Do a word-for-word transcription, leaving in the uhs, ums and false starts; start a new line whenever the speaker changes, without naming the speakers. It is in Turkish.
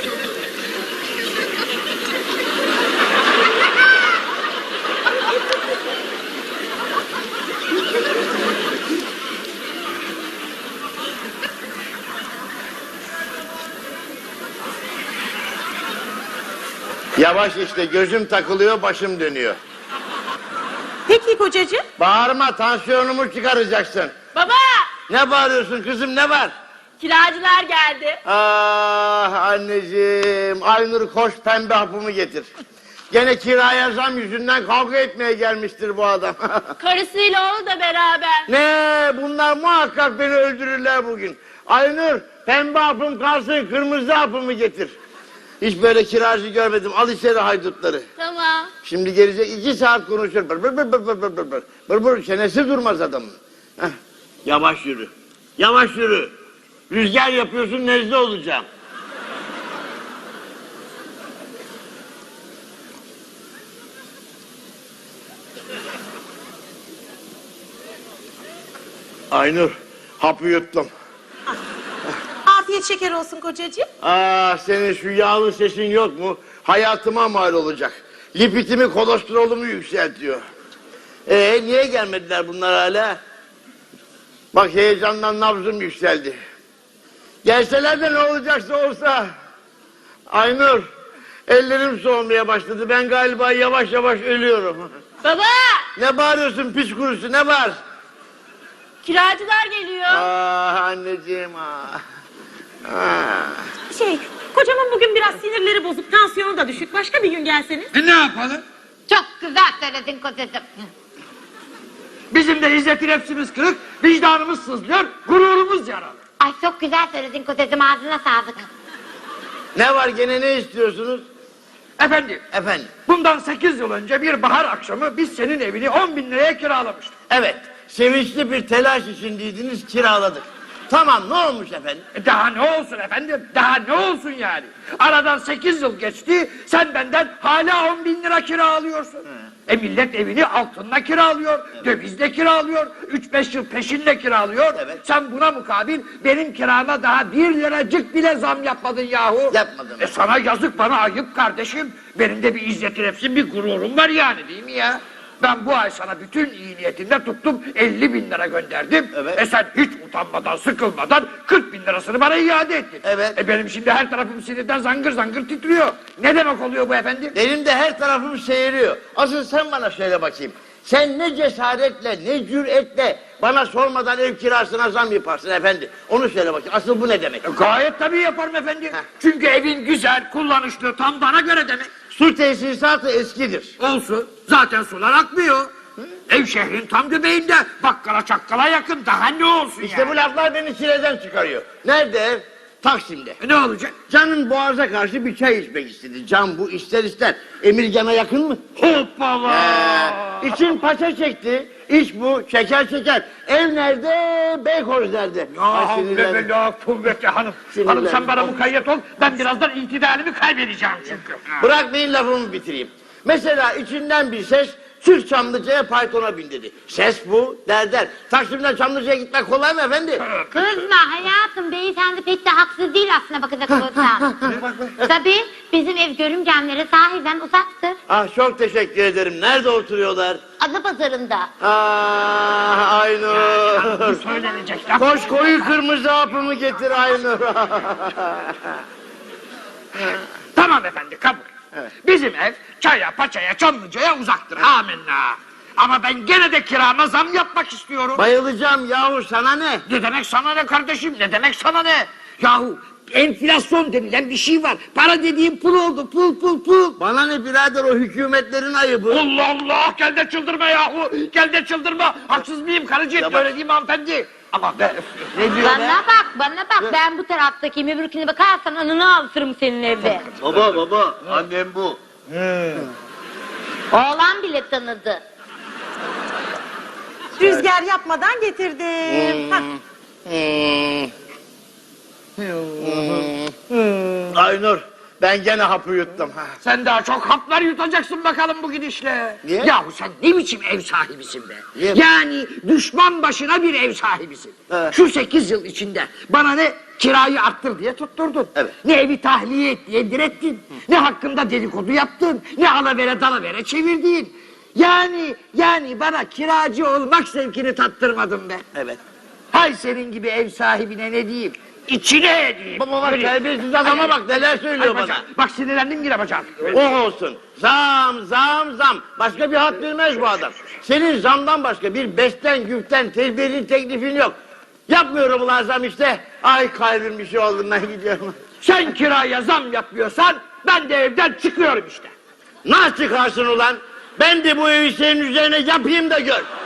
Yavaş işte, gözüm takılıyor, başım dönüyor.
Peki kocacığım.
Bağırma, tansiyonumu çıkaracaksın.
Baba!
Ne bağırıyorsun kızım, ne var?
Kiracılar geldi.
Ah anneciğim, Aynur koş pembe hapımı getir. Gene kiraya zam yüzünden kavga etmeye gelmiştir bu adam.
Karısıyla o da beraber.
Ne, bunlar muhakkak beni öldürürler bugün. Aynur, pembe hapım kalsın, kırmızı hapımı getir. Hiç böyle kiracı görmedim, al içeri haydutları.
Tamam.
Şimdi gelecek iki saat konuşur. Bır bır bır bır bır bır bır bır. Bır bır, çenesi durmaz adamın. Heh. Yavaş yürü. Yavaş yürü. Rüzgar yapıyorsun, nezle olacağım. Aynur, hapı yuttum.
Afiyet şeker olsun kocacığım.
Aa, senin şu yağlı sesin yok mu? Hayatıma mal olacak. Lipitimi, kolesterolümü yükseltiyor. Ee, niye gelmediler bunlar hala? Bak heyecandan nabzım yükseldi. Gelseler de ne olacaksa olsa. Aynur, ellerim soğumaya başladı. Ben galiba yavaş yavaş ölüyorum.
Baba!
Ne bağırıyorsun pis kurusu, ne var?
Kiracılar geliyor.
Ah anneciğim ah. Ah.
Şey, kocamın bugün biraz sinirleri bozuk, tansiyonu da düşük. Başka bir gün gelseniz.
E ne yapalım?
Çok güzel söyledin kocacığım.
Bizim de izzet nefsimiz kırık, vicdanımız sızlıyor, gururumuz yaralı.
Ay çok güzel söyledin kocacığım, ağzına sağlık.
Ne var gene, ne istiyorsunuz?
Efendim,
Efendim?
bundan sekiz yıl önce bir bahar akşamı biz senin evini on bin liraya kiralamıştık.
Evet, sevinçli bir telaş içindeydiniz, kiraladık. Tamam, ne olmuş efendim?
E daha ne olsun efendim, daha ne olsun yani? Aradan sekiz yıl geçti, sen benden hala on bin lira kira alıyorsun. He. E millet evini altınla kiralıyor, evet. Dövizle kiralıyor, üç beş yıl peşinle kiralıyor.
Evet.
Sen buna mukabil benim kirama daha bir liracık bile zam yapmadın yahu.
Yapmadım.
E sana yazık, bana ayıp kardeşim. Benim de bir izzeti nefsim, bir gururum var yani, değil mi ya? Ben bu ay sana bütün iyi niyetimle tuttum elli bin lira gönderdim.
Evet.
E sen hiç utanmadan, sıkılmadan kırk bin lirasını bana iade ettin.
Evet.
E benim şimdi her tarafım sinirden zangır zangır titriyor. Ne demek oluyor bu efendim?
Benim de her tarafım seyiriyor. Asıl sen bana söyle bakayım. Sen ne cesaretle, ne cüretle bana sormadan ev kirasına zam yaparsın efendi. Onu söyle bakayım. Asıl bu ne demek?
E gayet tabii yaparım efendim.
Heh.
Çünkü evin güzel, kullanışlı, tam bana göre demek.
Su tesisatı eskidir.
Olsun. Zaten sular akmıyor. Hı? Ev şehrin tam göbeğinde. Bakkala çakkala yakın. Daha ne olsun
İşte
yani?
bu laflar beni çileden çıkarıyor. Nerede ev? Taksim'de.
E ne olacak?
Canın boğaza karşı bir çay içmek istedi. Can bu ister ister. Emirgan'a yakın mı?
Hoppala!
Ee, için paça çekti. İş bu. Şeker şeker. Ev nerede? Beykoz nerede? Ay,
Ya
sinirlendim.
bebela kuvvetli hanım.
Sinirlendim.
Hanım sen bana mukayyet ol. Ben birazdan itidalimi kaybedeceğim çünkü.
Bırakmayın lafımı bitireyim. Mesela içinden bir ses çık Çamlıca'ya Python'a bin dedi. Ses bu der der. Taksim'den Çamlıca'ya gitmek kolay mı efendi?
Kızma hayatım, beyefendi pek de haksız değil aslında bakacak olursan. Tabii bizim ev görümcemlere sahiden uzaktır.
Ah çok teşekkür ederim. Nerede oturuyorlar?
Adapazarı'nda.
Ah Aynur.
Söylenecek laf.
Koş koyu kırmızı hapımı getir Aynur.
Tamam efendi, kabul.
Evet.
Bizim ev çaya, paçaya, Çamlıca'ya uzaktır. Amenna. Ama ben gene de kirama zam yapmak istiyorum.
Bayılacağım yahu, sana ne?
Ne demek sana ne kardeşim? Ne demek sana ne? Yahu enflasyon denilen bir şey var. Para dediğim pul oldu. Pul pul pul.
Bana ne birader, o hükümetlerin ayıbı.
Allah Allah! Gel de çıldırma yahu! Gel de çıldırma! Haksız mıyım karıcığım?
Ya bak-
Öyle değil mi hanımefendi? Ama be...
Ne diyor be?
Bana bak, bana bak. Ben bu taraftaki öbürküne bakarsan anını ağlatırım senin evde.
Baba baba, annem bu.
Oğlan bile tanıdı.
Rüzgar yapmadan getirdim. Hah.
Hmm. Hmm. Aynur, Ben gene hapı yuttum. Ha.
Sen daha çok haplar yutacaksın bakalım bu gidişle.
Niye?
Yahu sen ne biçim ev sahibisin be?
Niye?
Yani düşman başına bir ev sahibisin.
Evet.
Şu sekiz yıl içinde bana ne kirayı arttır diye tutturdun.
Evet.
Ne evi tahliye et diye direttin. Ne hakkında dedikodu yaptın. Ne alavere dalavere çevirdin. Yani, yani bana kiracı olmak zevkini tattırmadın be.
Evet.
Hay senin gibi ev sahibine ne diyeyim? İçine edeyim.
Baba bak
Böyle-
terbiyesiz adama
Ay,
bak neler
ay,
söylüyor
bacak.
bana.
Bak sinirlendim yine bacağım.
O olsun. Zam zam zam. Başka bir hat bilmez bu adam. Senin zamdan başka bir besten güften tedbirin teklifin yok. Yapmıyorum ulan zam işte. Ay kalbim bir şey olduğundan gidiyorum.
Sen kiraya zam yapmıyorsan ben de evden çıkıyorum işte.
Nasıl çıkarsın ulan? Ben de bu evi senin üzerine yapayım da gör.